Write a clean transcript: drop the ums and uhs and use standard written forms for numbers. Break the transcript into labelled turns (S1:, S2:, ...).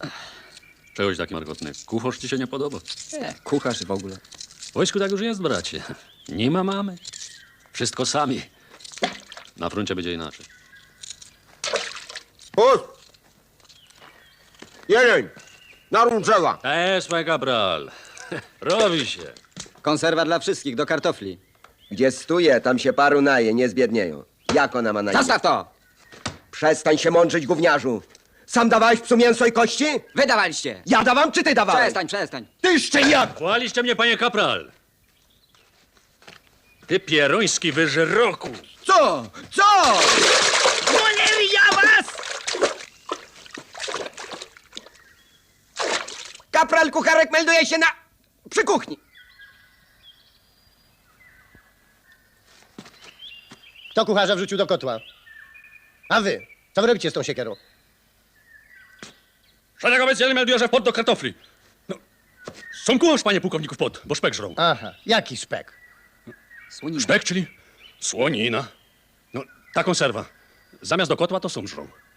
S1: Czegoś taki markotny. Kucharz ci się nie podoba?
S2: Nie, kucharz w ogóle.
S1: W wojsku tak już jest, bracie. Nie ma mamy. Wszystko sami. Na froncie będzie inaczej.
S3: Pust! Jeleń! Naród drzewa!
S1: Panie kapral. Robi się.
S2: Konserwa dla wszystkich, do kartofli.
S4: Gdzie stuje, tam się paru naje, nie zbiednieją. Jak ona ma na imię?
S2: Zostaw to!
S4: Przestań się mądrzyć, gówniarzu. Sam dawałeś psu mięso i kości?
S2: Wy dawaliście!
S4: Ja dawam, czy ty dawałeś?
S2: Przestań!
S4: Ty szczeniak!
S1: Chwaliście mnie, panie kapral. Ty pieroński wyżeroku.
S4: Co? Co? No nie widział was! Kapral Kucharek melduje się przy kuchni.
S5: Kto kucharza wrzucił do kotła? A wy? Co wy robicie z tą siekierą?
S1: Szaniak oficjalnie melduje, że pod do kartofli. No, są kucharz, panie pułkowniku, pod, bo szpek żrą.
S5: Aha, jaki szpek?
S2: Słonina.
S1: Szpek, czyli słonina. No, ta konserwa. Zamiast do kotła to są żrą.